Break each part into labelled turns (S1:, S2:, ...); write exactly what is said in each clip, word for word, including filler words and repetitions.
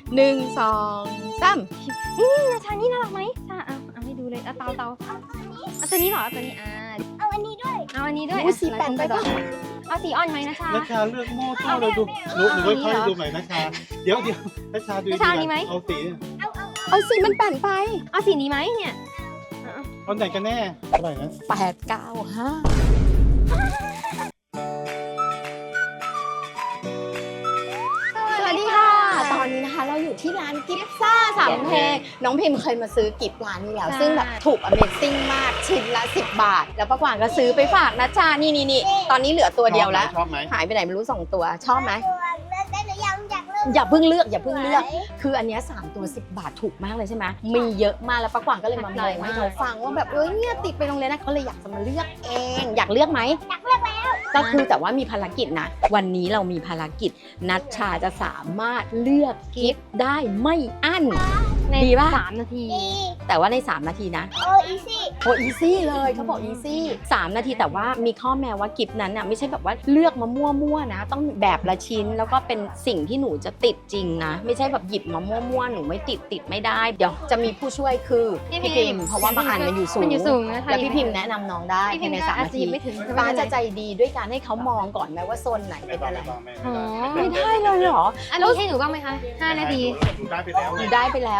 S1: หนึ่งสองสาม
S2: นี่นาชานี่น่ารักไหมชาเอาเอาให้ดูเลยเอาเตาเตาเอาตัวนี้เหรอเอาตัวนี้อ่า
S3: เอาอันนี้ด้วย
S2: เอาอันนี้ด้วย
S1: อู้สีแปนไปป่ะ
S2: เอาสีอ่อนไหมนะชา
S4: นัชชาเลือกหม้อข้าวเราดูหนูหนูค่อยๆดูหน่อยนัชชาเดี๋ยวเดี๋ยวนัชชาดูเอาสี
S3: เอาเอา
S1: เอาสีมันแปนไป
S2: เอาสีนี้ไหมเนี่ย
S4: เอาไหนกันแน่เท่าไหร่นะ
S1: แปดเก้าห้าสวัสดีค่ะ ตอนนี้นะคะเราอยู่ที่ร้านกิฟซ่าสามเพลงน้องพิมเคยมาซื้อกิฟร้านนี้แล้ว ซึ่งแบบถูก Amazing มากชิ้นละสิบบาท แล้วป้ากวางก็ซื้อไปฝากนะจ๊ะนี่นี่นี่ตอนนี้เหลือตัวเดียวแล้ว
S4: ชอบไหม
S1: หายไปไหนไม่รู้สองตัวชอบไหม
S3: ตัวเลือกได้หรือยังอยากเลือก
S1: อย่าเพิ่งเลือกอย่าเพิ่งเลือก คืออันเนี้ยสามตัวสิบบาทถูกมากเลยใช่ไหมมีเยอะมากแล้วป้ากวางก็เลยมาบอกให้เขาฟังว่าแบบเอ้ยเนี่ยติดไปโรงเรียนนะเขาเลยอยากจะมาเลือกเอง อยากเลือกไหม
S3: อยากเลือกแล้ว
S1: ก็คือแต่ว่ามีภารกิจนะ วันนี้เรามีภารกิจนัชชาจะสามารถเลือกกิฟต์ได้ไม่อั้น
S2: ใน
S1: ดีป่ะ
S2: สามนาที
S3: ดี
S1: แต่ว่าในสามนาทีนะ
S3: โออีซี่
S1: โอ้อีซี่เลยเขาบอกอีซี่สามนาทีแต่ว่ามีข้อแม้ว่ากิฟต์นั้นน่ะไม่ใช่แบบว่าเลือกมามั่วๆนะ ต้องแบบละชิ้นแล้วก็เป็นสิ่งที่หนูจะติดจริงนะ ไม่ใช่แบบหยิบมามั่วๆหนูไม่ติดติดไม่ได้เดี๋ยวจะมีผู้ช่วยคือพี่พิมพ์เพราะว่าบางอันมันอยู่สูง
S2: มันอยู่สูงนะ
S1: แล้วพี่พิมพ์แนะนำน้องได้
S2: พี่พิมพ์
S1: ในสามนาที
S2: ไม่ถึง
S1: ฟ้าจะใจดีด้วยการให้เขามองก่อนไหมว่าโซนไหน
S4: ไม่
S1: เป็น
S4: ต้อง
S1: อะไร
S4: ไม่ต้องไม่
S2: อ๋อ
S1: ไม่ได้เลยเหรอ
S2: อันนี้ให้หนูบ้างไหมคะห้านาที
S4: ดูได้ไปแล้ว
S1: หนูได้ไปแล้ว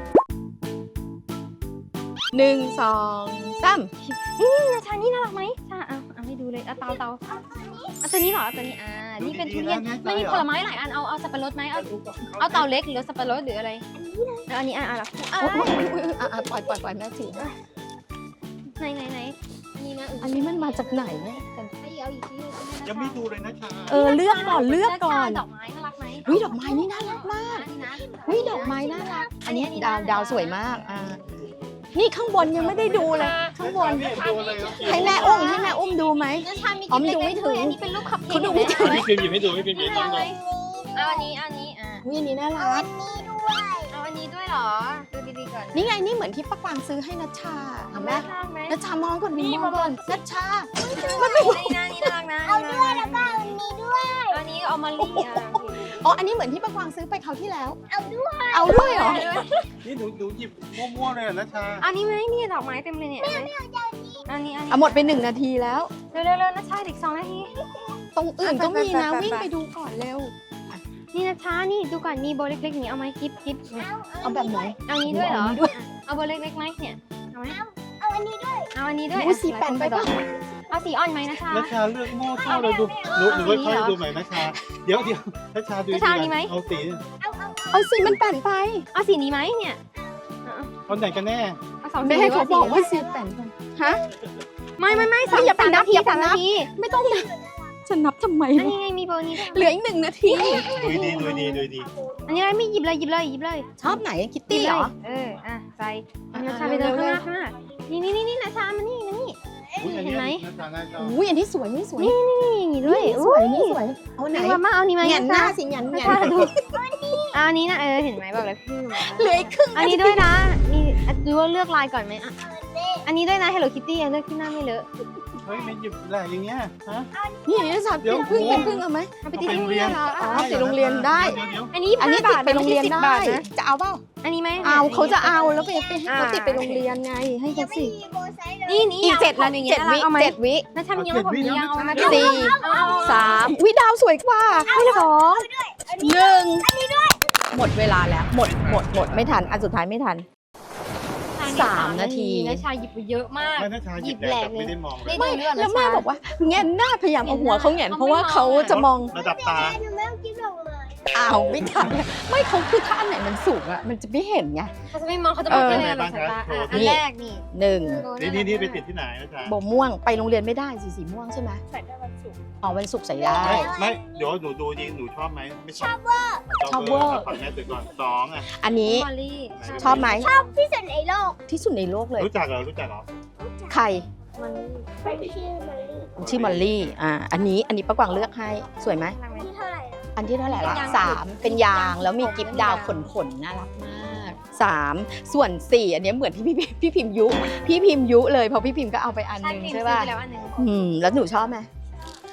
S1: หนึ่งสองสาม
S2: นี่นาชานี่น่ารักไหมชาเอาเอาให้ดูเลยเอาเตาเตาเอาตัวนี้เหรอเอาตัวนี้อ่านี่เป็นทุเรียนไม่มีผลไม้หลายอันเอาเอาสับปะรดไหมเอาเอาเตาเล็กหรือสับปะรดหรืออะไรแล้วอันนี้อ่ะอ่ะล่ะอ่ะ
S1: โอ้ยโอ้ยโอ้ยอ่ะอ่ะปล่อยปล่อยปล่อยแม่ถือ
S2: ไหนไหนไหนนี่นะ
S1: อันนี้มันมาจากไหนเนี่ย
S2: ให้เอาอีกที
S4: ยังไม่ดูเลยนัชชา
S1: เออเลือกก่อนเลือกก่อน
S2: ดอกไม้น่ารักไหม
S1: วิดอกไม้นี่น่ารักมาก
S2: นี่นะ
S1: วิดอกไม้น่ารัก อันนี้ดาวดาวสวยมากอ่านี่ข้างบนยังไม่ได้ดูเลยข้างบนให้แม่อุ้มให้แม่อุ้มดูไหม
S2: นาชามี
S1: อ๋อมันดูไม่ถึง
S2: อันนี้เป็นรูปคัพเค้ก
S1: เขาดูไม่ถึง
S4: ไม่พิมพ์หยิบให้ดูไม่พิมพ์หยิบให้ดู
S2: เอาอันนี้เอาอันนี้อ่ะ
S1: วิอันนี้น่า
S3: เอา
S1: รั
S3: อั
S1: ก
S3: นนี้ด้วย
S2: เอาอันนี้ด้วยเหรอดูดีๆก่อน
S1: นี่ไงนี่เหมือนที่ป้ากวางซื้อให้นัชชาเห็นไหม
S2: น่ารักไหม
S1: นัชชามองก่อนมองก่อนนัชชา
S2: นี่นะนี่น่ารักนะ
S3: เอาด้วยแล้วก็เอาอันนี้ด้วย
S2: อันนี้เอามาลี่อ่ะ
S1: อ๋ออันนี้เหมือนที่ป้ากวางซื้อไปคราวที่แล้ว
S3: เอาด้วย
S1: เอาด้วยเหรอ
S4: นี่หนูหนูหยิบมั่วๆเลยนัชชา
S2: อันนี้ไหมนี่ดอกไม้เต็มเลยเนี่ยอันนี้อันนี้
S1: อ่ะหมดไปหนึ่งนาทีแล้ว
S2: เร็วๆเร็วนะชาอีกสองนาที
S1: ตรงอื่นก็มีนะ
S2: ไปๆๆๆ
S1: วิ่งไปดูก่อนเร็ว
S2: นี่นะชานี่ดูก่อนมีโบเล็กๆอย่างนี้เอาไหมกิ๊บกิ๊บ
S1: เอาแบบไหน
S2: เอานี้ด้วยเหรอ
S1: เอานี้ด้วย
S2: เอาโบเล็กๆไหมเนี่ยเอาไหม
S3: เอาอันนี้ด้วย
S2: เอาอันนี้ด้วย
S1: อู้สีแปนไปป่ะ
S2: เอาสีอ่อนไหมนะชา
S4: นัชชาเลือกหม้อข้าวเราดูหนูหนูค่อยๆดูหน่อยนัชชาเดี๋ยวเดี๋ยวนัชชาดูเอาสี
S3: เอาเอา
S1: เอาสีมันแปนไป
S2: เอาสีนี้ไหมเนี่ย
S4: เอาไหนกันแน่
S2: เอาสองสี
S1: แม่ให้เขาบอกว่าสีแปนไปฮะ
S2: ไม่ไม่ไม่สาม
S1: อย่าไป
S2: สาม
S1: นับ
S2: นาที
S1: อย่าไป
S2: สาม
S1: นั
S2: นา
S1: บ
S2: ที
S1: ไม่ต้องนะจะนับทำไม
S2: อัน
S1: วะ
S2: นี้ไงมีโบนี้ด้วย
S1: เหลืออีกหนึ่งนาที
S4: ดูดีดูดีดูดี
S2: อันนี้อะไรไม่หยิบเลยหยิบเลยหยิบเลย
S1: ชอบไหนคิตตี้เหรอ
S2: เออ อ่ะใส่นาชาไปเดินข้างหน้าข้างหน้านี่นี่นี่นี่นาชามานี่มานี่
S4: อุ้ยอันนี้นัชชาน่าชอบ
S1: อุ้ยอันนี้สวยนี่สวย
S2: นี่อย่างนี้ด้วย
S1: นี่สวยนี่สวยเอาไหน
S2: นี่ว่ามาเอานี่ไหม
S1: แหงนหน้า
S2: ชา
S1: สิแหงนแหง
S2: ชาน ดูเอาอันนี้นะเออเห็นไหมบอกเลยคือ
S1: เหลืออีกครึ่ง
S2: อันนี้ด้วยนะ นี่ดูว่าเลือกลายก่อนไหมอ่ะ
S3: เอาอันนี้
S2: อันนี้ด้วยนะ Hello Kitty เลือกที่หน้าไม่เลอะ
S4: เฮ้ยไม่หยิบแหละอย่างเงี้ยฮะ
S1: นี่นี่สัตว์เป็นพึ่งเป็นพึ่งเอาไหม
S2: เอาไปติดที่โรงเรียนเหรอ
S1: อ๋อ
S2: อ่ะ
S1: ติดโรงเรียนได้
S4: เดี๋ยวเดี๋ยว
S2: อันนี้
S1: อันนี้ติดไปโรงเรียน
S2: สิบ
S1: ได้
S2: บาทนะ
S1: จะเอาเปล่า
S2: อันนี้ไหม
S1: เอาเขาจะเอาแล้วไปไปให้เขา
S2: อ่า
S1: ติดไปโรงเรียนไงให้
S3: ยั
S1: เขา
S3: งไม่
S1: สิ
S3: มีโบไซส์เลย
S2: นี่นี่
S1: อีกเจ็ดนา
S2: ที
S1: ทีเจ็ดวิ
S2: เอาไหม
S1: เจ็ดวิ
S2: นะชามียังผมยังเอามา
S1: สี่ สามวิดาวสวยกว่าสองหนึ่งหมดเวลาแล้ว หมดหมดหมดไม่ทันอันสุดท้ายไม่ทัน สามนาที
S2: นะชาหยิบไปเยอะมาก
S4: ไม่นัชชาหยิบแหลกไม่ได้มองเลย
S2: ไม่ดูเรื่อง
S1: แล้ว
S2: นะ
S1: แม่
S2: ชา
S1: บอกว่าแงนหน้าพยายามเอาหัวเขาแงนเพราะว่าเขาจะมอง
S4: ระดับตา
S3: หนูไม่ต้องกินดอกไม้
S1: อ้าวไม่ทันไม่เขาคือถ้าอันไหนมันสูงอะมันจะไม่เห็นไง
S2: เขาจะไม่มองเขาจะมอง
S1: เออ
S2: แค่ในหลอดสายตาอ่ะอันแรกนี่
S1: หนึ่ง
S4: นี่นี่นี่ไปติดที่ไหนนัชชา
S1: โบม่วงไปโรงเรียนไม่ได้สีสีม่วงใช่ไหม
S3: ใส่ได้วันศุกร์
S1: อ๋อวันศุกร์ใส่ได้
S4: ไม่ไม่เดี๋ยวหนูดูดีหนูชอบไหมไม่ชอบเวอร์
S1: ชอบเวอร์
S4: ฝั่งแม่ตื่นก่อนสองอ่ะ
S1: อันนี้
S2: มอลลี่
S1: ชอบไหม
S3: ที่สุดในโลก
S1: ที่สุดในโลกเลย
S4: รู้จักเหรอรู้จักเหรอ
S1: ใคร
S2: มอลลี่
S3: เป็นชื่อมัน
S1: ชื่อมอลลี่อ่าอันนี้อันนี้ป้ากวางเลือกให้สวยไหม
S2: น่ารักไหม
S3: ที่เท่าไหร่อะ
S1: อันที่เท่าไหร่ละ
S2: เป็นยาง
S1: สามเป็นยางแล้วมีกิฟต์ดาวขนขนๆน่ารักมากสามส่วนสี่อันนี้เหมือนที่พี่พี่พิมพ์ยุ พี่พิมพ์ยุเลยเพราะพี่พิมพ์ก็เอาไปอันหนึง
S2: ใช่
S1: ใช่
S2: ป่ะ
S1: ป่ะ
S2: ไปแล้วอันหนึ่ง
S1: อืมแล้วหนูชอบไหม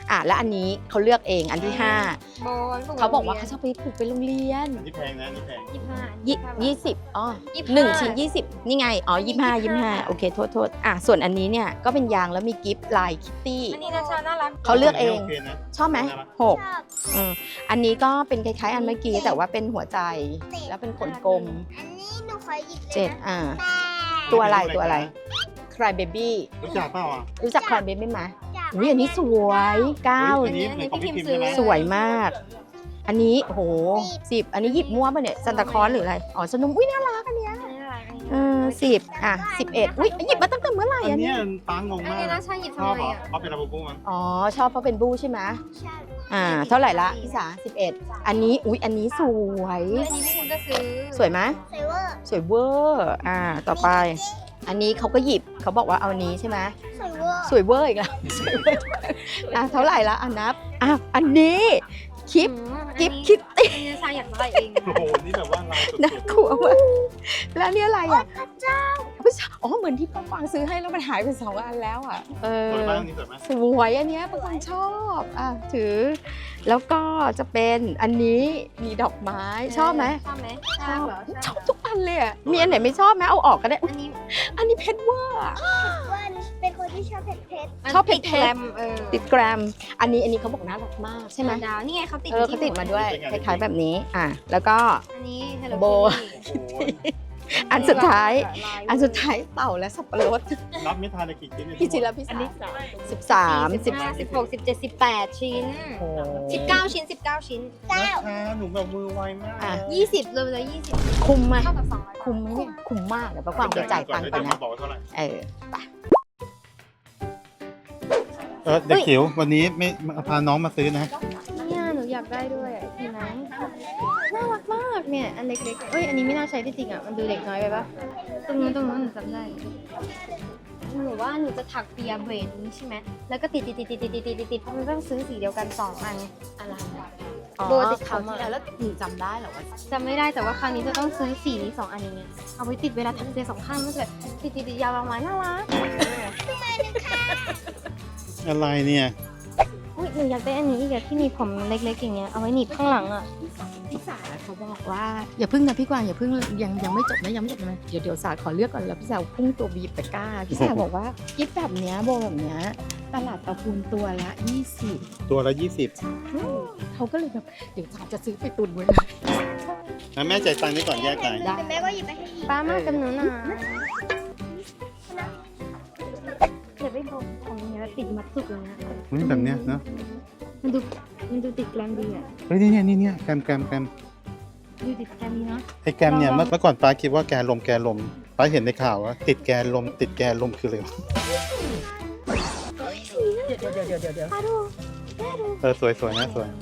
S1: อ่ะแล้วอันนี้เขาเลือกเองอันที่ห้า
S2: โบน
S1: เขาบอกว่าเขาชอบไปผูกไปโรงเรียน
S4: อันนี้แพงนะอันนี่แพง
S2: ยี่สิบห้า
S1: ยี่ยี่สิบอ๋อ
S2: ยี่สิบห้า
S1: หนึ่งชิ้นยี่สิบนี่ไงอ๋อยี่ห้ายี่ห้าโอเคโทษโทษอ่ะส่วนอันนี้เนี่ยก็เป็นยางแล้วมีกิฟต์ลายคิตตี้
S2: อันนี้นะชาน่ารัก
S1: เขาเลือกเอง
S4: โอเคนะ
S1: ชอบไหมหก
S3: ชอบ
S1: อืมอันนี้ก็เป็นคล้ายๆอันเมื่อกี้แต่ว่าเป็นหัวใจแล้วเป็นขนกลม
S3: อันนี้หนูขอหยิบเลย
S1: เจ็ด
S3: นะ
S1: อ่า
S3: แต่
S1: ตัวอะไรตัวอะไร Cry Baby
S4: รู้จักเปล่าอ่ะ
S1: รู้จัก Cry Baby ไหม
S3: จาก
S1: อุ้ยอันนี้สวยเก้า
S4: อันนี้เหมือนของพี่พิมพ์ใช่ไหม
S1: สวยมาก อันนี้โหสิบอันนี้หยิบมั่วป่ะเนี่ยซันตาคลอสหรืออะไรอ๋อสนุมอุ้ยน่ารักอันเนี้ย
S2: อันนี้น่ารักอันนี้
S1: เออสิบอ่ะสิบเอ็ดอุ้ยหยิบมาตั้งแต่เมื่อไหร่
S4: อั
S1: อั
S4: น
S1: น
S4: เนี้
S1: เนี้
S4: ย
S1: ย
S4: ป้างง
S2: อัน
S4: มาก
S2: นี้นะชาหยิบ
S4: ช
S2: ทำ
S4: อบ
S2: ไม
S4: เหรอ
S2: อ่ะ
S4: เขาเป็นระบบบุ้งมัน
S1: อ๋อชอบเพราะเป็นบู้ใช่ไหม
S3: ใช่
S1: อ่าเท่าไหร่ละพี่สาสิบเอ็ดอันนี้อุ้ยอันนี้สวย
S2: อันนี้พี่พิมก็ซื้อ
S1: สวยไหม
S3: เซเวอร์
S1: สวยเวอร์อ่าต่อไป อันนี้เขาก็หยิบเขาบอกว่าเอาอันนี้ใช่ไหม
S3: เซเวอร์
S1: สวยเวอร์อีกแล้วสวยเวอร์อ่ะเท่าไหร่ละอันนับอ่ะอันนี้คลิป
S2: อืม
S1: กิฟ
S2: อันนี้
S1: คิตตี้
S2: อันนี้ชาอยากได้เอง
S4: โอ้โหนี่แบบว่าลายสุด
S1: น่ากลัวมากแล้วนี่อะไรอ่ะพระเจ้าอ๋อเหมือนที่ป้าฟางซื้อให้แล้วมันหายไปสองอันแล้วอ่ะเอ
S4: ๆสวย
S1: อ
S4: มากนี่สวยมาก
S1: สวยอันเนี้ยป้าฟางชอบอ่ะถือ แล้วก็จะเป็นอันนี้มีดอกไม้ชอบไหม
S2: ชอบไหม
S1: ชอบ
S2: เหรอ
S1: ชอบทุกอันเลยอ่ะมีอันไหนไม่ชอบไหมเอาออกก็ได้อุ๊ย
S2: อันนี้
S1: อันนี้เพชรเวอร์อะ
S3: ว่าเป็นคนที่ชอบเผ็ดเผ็ด
S1: ชอบเผ็ดๆ
S2: ติแกรมเออ
S1: ติดแกรม อันนี้อันนี้เขาบอกน่ารักมากใช่ไหม
S2: ดาวนี่ไงเขาติด
S1: เออเขาติดมาด้วยคล้ายๆแบบนี้ อ่ะ แล้วก็
S2: อันนี้ Hello
S1: โบ
S2: Kitty
S1: อันสุดท้าย
S2: ล
S1: อันสุดท้ายเต่าและสับปะรด
S4: รับไม่ทานเลยกี่ชิ้นเนี่ย
S1: พี่จิรพิสาสิบสามสิ
S2: สิ
S1: บบ
S2: ห้าสิบหกสิบเจ็ดสิบแปดชิ้น
S1: โอ้
S2: สิบเก้าชิ้นสิบเก้าชิ้น
S3: เก้า
S4: ราคาหนูแบบมือไวมาก
S1: อ่ะ
S2: ยี่สิบรวมเลยยี่สิบ
S1: คุ้มไหม
S2: เท่ากับสองร้อย
S1: คุ้มไหมเนี่ยคุ้มมากเดี๋ยวป้าฟางไปจ่ายตังค์ก่อน
S4: เดี๋ยว
S1: นะ
S4: มาบอกว่าเท่าไหร่
S1: เออไป
S4: เออเด็กจิ๋ววันนี้ไม่พาน้องมาซื้อนะ
S2: เนี่ยหนูอยากได้ด้วยอ่ะทีไหนน่ารักมากเนี่ยอันเล็กๆเอ้ยอันนี้ไม่น่าใช้ที่จริงอ่ะมันดูเด็กน้อยไปปะตรงนู้นตรงนู้นหนูจำได้หนูว่าหนูจะถักเปียเบรดนี้ใช่ไหมแล้วก็ติดติดติดติดติดติดติดติดติดเพราะมันต้องซื้อสีเดียวกันสองอัน
S1: อะไร
S2: โบติด
S1: เขา
S2: เขา
S1: ที่
S2: มา
S1: แล้วแล้วหนูจำได้เหรอว่า
S2: จำไม่ได้แต่ว่าครั้งนี้จะต้องซื้อสีนี้สองอันอย่างเงี้ยเอาไว้ติดเวลาถักเปียสองข้างมันจะติดติดติดยาวประมาณน่ารัก
S4: อะไรเนี่ย
S2: อุ้ยหนูอยากได้อันนี้อีกอะที่มีผมเล็กๆอย่างเงี้ยเอาไว้หนีบข้างหลังอ่ะ
S1: พี่สาเขาบอกว่าอย่าพึ่งนะพี่กวางอย่าพึ่งยังยังไม่จบนะยังไม่จบนะเดี๋ยวเดี๋ยวสาขอเลือกก่อนแล้วพี่สาวพุ่งตัวบีบตะกร้าพี่สาวบอกว่ากิฟแบบเนี้ยโบแบบเนี้ยตลาดตะพูนตัวละยี่สิบ
S4: ตัวละยี่สิบ
S1: เขาก็เลยแบบเดี๋ยวสาจะซื้อไปตุนไว้เลย
S4: นะแม่จ่ายตังค์นี่ก่อนแยกจ่าย
S1: ได้
S3: แต่แม่ก็หยิบไปให้อีก
S2: ป้ามากับหนูหน่อยเดี๋ยวไปบอกของเนี้ยติดมัดสุกเลยนะ
S4: นี่แบบเนี้ยเนาะ
S2: มันดูมันดูติดแกรมดีอ่ะ
S4: เฮ้ยนี่เนี่ยนี่เนี่ยแกรมแกรมแกรม
S2: ดูติดแกรมดีเนาะ
S4: ไอ้แกรมเนี่ยเมื่อเมื่อก่อนป้าคิดว่าแกนลมแกนลมป้าเห็นในข่าวว่าติดแกนลมติดแกนลมคืออะไรวะ
S1: เดี๋ยวเดี๋ยวเดี๋ยวเดี๋ยวเดี๋ยว
S4: เออสวยสวยนะสวย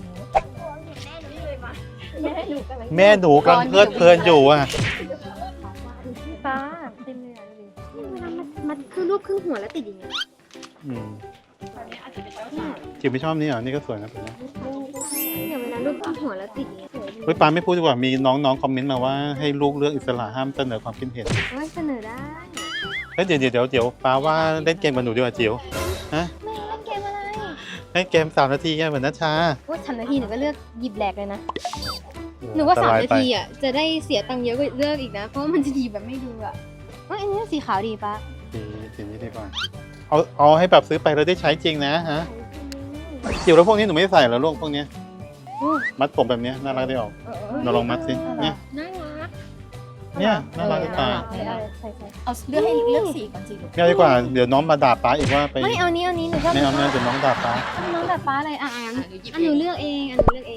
S3: แม่หนูกัน
S4: แม่หนูกำลังเพลิดเพลินอยู่อ่ะ
S2: ป้าเต็มเลยอ่ะดูดิเวลามันมันคือรูปครึ่งหัวแล้วติดอย่างเงี้ย
S4: อืมจิ๋วไม่ชอบนี่เหรอนี่ก็สวยนะแบบนี้
S2: เนี่ยเวลารูปครึ่งหัวแล้วติดอย่างเงี้ยสวยดี
S4: เฮ้ยป้าไม่พูดดีกว่ามีน้องๆคอมเมนต์มาว่าให้ลูกเลือกอิสระห้ามเสนอความคิดเห็น
S2: เฮ้ยเสนอได้
S4: เฮ้ยเดี๋ยวเดี๋ยวเดี๋ยวเดี๋ยวป้าว่าเล่นเกมกับหนูดีกว่าจิ๋วฮะ
S2: แม่เล่นเกมอะไร
S4: ให้เกมสามนาทีแค่เหมือนนัชชา
S2: ว่าสามนาทีหนูก็เลือกหยิบแหลกเลยนะ หนูว่าสามนาทีอ่ะจะได้เสียตังค์เยอะกว่าเลือกอีกนะ เพราะว่ามันจะดีแบบไม่ดูอ่ะเฮ้ยอันนี้สีขาวดีปะ
S4: สีสีนี้ดีกว่าเอาเอาให้แบบซื้อไปแล้วได้ใช้จริงนะฮะจิ๋วแล้วพวกนี้หนูไม่ใส่เหรอลูกพวกเนี้ย
S2: อืม
S4: มัดผมแบบเนี้ยน่ารักได้ออก
S2: เออเออ
S4: เราลองมัดสิเนี่ย
S2: น่ารัก
S4: เนี่ยน่ารักจะตาย
S2: ใช่ใช่ใช่
S1: เอาเลือกให้เลือกสีก่อนสิลูก
S4: ง่ายดีกว่าเดี๋ยวน้องมาด่าป้าอีกว่าไป
S2: ไม่เอานี้เอานี้หนูชอบ
S4: ไม่เอาไม่เอาเดี๋ยวน้องด่าป้า
S2: น้องดัดฟ้าอะไรอ่ะอ่ะอันอันหนูเลือกเองอันหนูเลือกเอง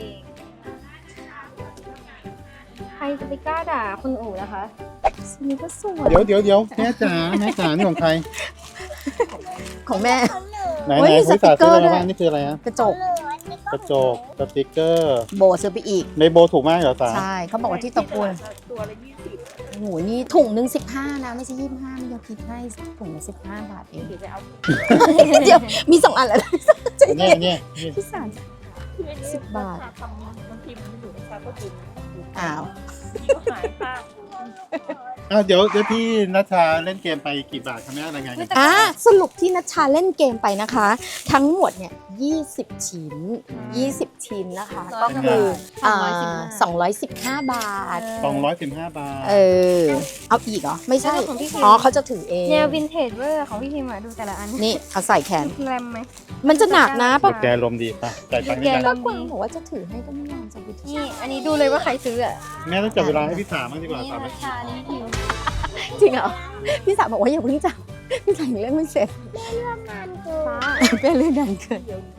S2: ใครจะไปกล้าด่าคนอู่นะคะ
S1: สีนี้ก็สวย
S4: เดี๋ยวเดี๋ยวเดี๋ยวแม่จ๋าแม่จ๋านี่ของใคร
S1: ของแม่
S3: เขาเหลือ
S4: ไหน
S1: เฮ้
S4: ไหน
S1: ย
S4: คุย
S1: สติ
S4: สาก
S1: เก
S4: ซื้
S1: อ
S4: อ
S1: ร์
S4: อะไร
S1: ด้วย
S4: บ้างนี่คืออะไรฮะ
S1: กระจก
S3: เหลืออันนี้
S4: กระจกสติกเกอร์
S1: โบซื้อไปอีก
S4: เมโบถูกมากเหรอสา
S1: ใช่เขาบอกว่าที่ตะปูนตัวละยี่สิบโอ้โหนี่ถุงหนึ่งสิบห้านะ ไม่ใช่ยี่สิบห้าไม่ยอมคิดให้ถุงละสิบห้าบาทเองเดี๋ยวจะเอา เดี๋ยวมีสองอันแล้วใจ
S4: เนี่
S1: เย็
S4: ย
S1: น
S4: เนี่ยเนี่ย
S1: พี่สารสิบบาทอ้าว
S4: อ้าวเดี๋ยวเดี๋ยวพี่นัชชาเล่นเกมไปกี่บาทคะแม่รายงานกัน
S1: อ่ะสรุปที่นัชชาเล่นเกมไปนะคะ ทั้งหมดเนี่ยยี่สิบชิ้น ยี่สิบชิ้นนะคะ
S2: ร้
S1: ก็
S2: อย
S1: คือ
S2: สองร้อยสิบห้า
S1: สองร้อยสิบห้าบาท
S4: สองร้อยสิบห้าบาท
S1: เออ เอาอีกเหรอ ไม่ใช่
S2: แล้วของพี่พิม
S1: อ๋อเขาจะถือเอง
S2: แนววินเทจเวอร์ของพี่พิมพ์อะดูแต่ละอัน
S1: นี่เอาใส่แขน
S2: แรมไหม
S1: มันจะหนักนะ
S2: ปะ
S1: ปะ
S4: แกลมดีป่ะจ่ายตังค์
S2: แก
S4: ได้
S2: ล
S1: ก็
S2: ม
S1: กวางบอกว่าจะถือให้ก็ไม่ยอมจะไปถือ
S2: นี่อันนี้ดูเลยว่าใครซื้ออ่ะ
S4: แม่ต้องจับเวลาให้พี่สาบ้างดีกว่า
S2: นี่
S4: สาม
S2: รา
S4: นาที
S2: คานี้พิมพ์
S1: จริงเหรอ พี่สาวบอกว่าอย่าเพิ่งจับพี่สาวยังเล่นไม่เสร็จ
S3: นานเกิน
S2: ฟ้า
S1: เป็นเรื่องดันเกิน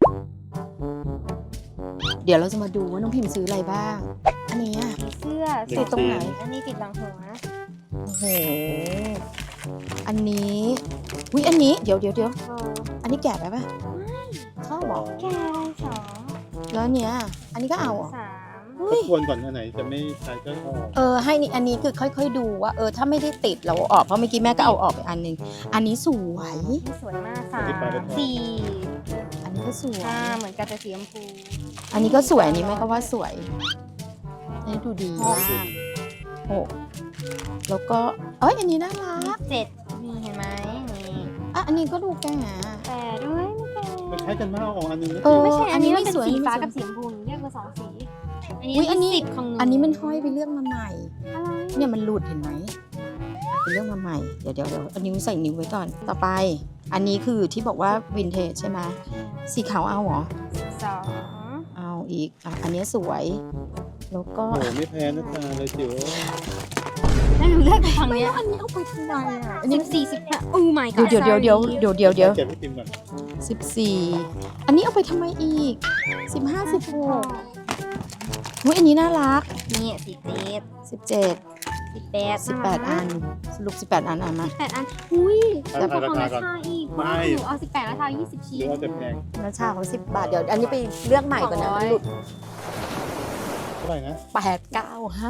S1: เดี๋ยวเราจะมาดูว่าน้องพิมพ์ซื้ออะไรบ้าง อันนี้อ่ะ
S2: มีเสื้อ
S1: ติดตรงไหน
S2: อันนี้ติดหลังหัว
S1: โอ้โห อันนี้วิอันนี้ เดี๋ยวเดี๋ยวเดี๋ยว
S2: โอ้
S1: อันนี้แกะไปปะชอบบอก
S2: แกสอง
S1: แล้วอันเนี้ย อันนี้ก็เอาเหรอ
S2: สาม
S1: เฮ้
S4: ทบ
S1: ย
S4: ทวนก่อนอันไหนจะไม่ใช้ก็ออก
S1: เออ ให้นี่อันนี้คือค่อยๆดูว่า เออ ถ้าไม่ได้ติดเราเอาออก เพราะเมื่อกี้แม่ก็เอาออกไปอันหนึง อันนี้สวย
S2: นี่สวยมากสามสี่
S1: อันนี้ก็สวย
S2: ห้าเหมือนกันแต่สีชมพู
S1: อันนี้ก็สวย อันนี้แม่ก็ว่าสวยอันนี้ดูดีมากโอ้แล้วก็ เอ้ย อันนี้น่ารัก
S2: เจ็ดนี่เห็นไหมนี่
S1: อ่ะ อันนี้ก็ดูแก่
S2: แปดด้วยไม่แก่
S4: มันใช้กันมากเอาออกอันหนึงนะ
S1: เออ
S2: ไม่ใช่อันนี้มัน
S1: ไม่
S2: เป็น
S1: สวย
S2: สีฟ้า
S1: ไม่สวย
S2: กับสีชมพูหนูเรียกมาสองสี
S1: อุ๊ยอันนี้
S2: สิบของหนู
S1: อันนี้มันห้อยไปเลือกมาใหม่
S2: อะไร
S1: เนี่ยมันหลุดเห็นไหมเป็นเรื่องมาใหม่ เดี๋ยวเดี๋ยวเดี๋ยวเอานิ้วใส่นิ้วไว้ก่อน ต่อไป อันนี้คือที่บอกว่าวินเทจใช่ไหมสีขาวเอาเหรอ
S2: สอง
S1: เอาอีกอ่ะอันนี้สวย แล้วก็
S4: โอ้โหไม่แพ้นะตาเลยจิ๋ว
S2: แล้วหนูเลือกฝั่ง
S1: ไม่
S2: เนี้ย
S1: อันนี้เอาไปทำไมอ่ะอัน
S2: สิ
S1: นี้
S2: บสี่สิบห้าโอ้ my
S1: เดี๋ยว
S2: god
S1: เดี๋ยวเดี๋ยวเดี๋ยวเดี๋ยวเดี๋ยว
S4: เก็บให้พิมพ์ก่อน
S1: สิบสี่อันนี้เอาไปทำไมอีกสิบห้าสิบหกอุ้ยอันนี้น่ารัก
S2: นี่สิบเจ็ด
S1: สิบเจ็ด
S2: สิบแปด
S1: สิบแปดอันสรุปสิบแปดอันอ่ะมา
S2: แปดอันอุ้ย
S4: เอา
S2: แต่
S4: เอา
S2: ของ
S4: ราคา
S2: รา
S4: ก่อน
S2: คาอีก
S4: ไม่
S2: หนูเอาสิบแปดราคายี่สิบ
S4: ห
S2: ชิ้
S4: รื
S2: น
S4: อว่าจะแพง
S1: แล้วชาของสิบบาทเดี๋ยวอันนี้ไปเลือกใหม่ก่อนนะมันหลุด
S4: เท่าไหร่นะ
S1: แปดเก้าห้า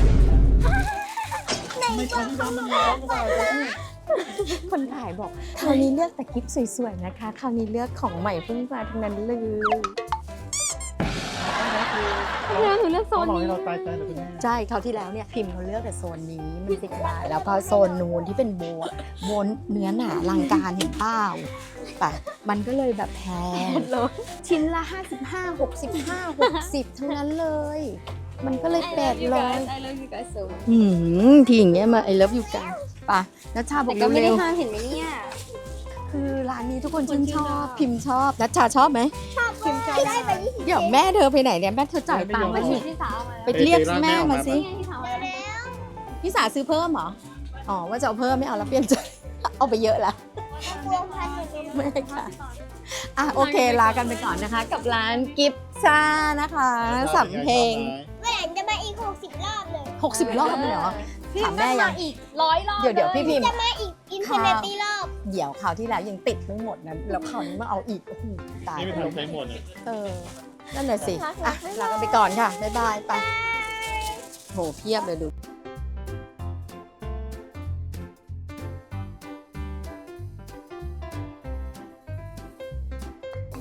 S4: ไม่ใช่ที่ร้านมันร้อนหรือเปล่าจ๊ะ
S1: คนถ่ายบอกคราวนี้เลือกแต่คลิปสวยๆนะคะ คราวนี้เลือกของใหม่เพิ่งมาทั้งนั้นเลย
S2: แล้วหนูเลือกโซ
S4: เขา
S2: น
S4: บอก
S2: นี้
S4: ให้เราตายใจเลยคุณแม่
S1: ใช่คราวที่แล้วเนี่ยพิมพ์เขาเลือกแต่โซนนี้มันสิบบาทแล้วพอโซนนู้นที่เป็นโบนโบนเนื้อหนาลังการเห็นเปล่าปะมันก็เลยแบบแพงชิ้นละห้าสิบห้าหกสิบห้าหกสิบทั้งนั้นเลย มันก็เลยแปดร้อย
S2: ไอเลิฟยูไกส์
S1: อืมทีอย่างเงี้ยมาไอเลิฟอยู่กันปะนัชชาบอ
S2: แต่
S1: ก
S2: ก็ไม่ได้
S1: เร็ว
S2: ห้ามเห็นไหมเนี่ย
S1: ๆคือร้านนี้ทุกคนชื่นชอบ
S2: คนชื่นชอบ
S1: พิมพ์ชอบนัชชาชอบไหม
S3: พิมพ์ได้ไปยี่สิบ
S1: เดี๋ยวแม่เธอไปไหนเนี่ยแม่เธอจ่ายตังค์
S2: วั
S1: มาน
S2: นี้
S1: สิ
S2: ที่สาวมา
S1: ไปเรียกแม่มาสิ
S2: นี่ไงที่สาวมา
S1: พี่สาซื้อเพิ่มเหรออ๋อว่าจะเอาเพิ่มไม่เอาแล้วเปลี่ยนใจ เอาไปเยอะละ
S3: กลัวพันหนึ่ง
S1: ไม่ค่ะอ่ะโอเคลากันไปก่อนนะคะ กับร้านกิฟชานะคะสำเพ็ง
S3: แหวนจะมาอีกหกสิบรอบเลย
S1: หกสิบรอบเลยเหรอถามแม่ยัง
S2: อีกร้อยรอบ
S1: เดี๋ยวเดี๋ยวพี่พิมพ์
S3: จะมาอีกอินฟินิตี้รอบ
S1: เดี๋ยวคราวที่แล้วยังติดไม่หมดนะแล้วคราวนี้มาเอาอีกโอ้โหตาย
S4: นี่ไม่
S1: แล้ว
S4: ทำใช้หมดเนี่ย
S1: เออนั่นแหละสิอ่ะลากันไปก่อนค่ะบ๊ายบายไปโหเพียบเลยดู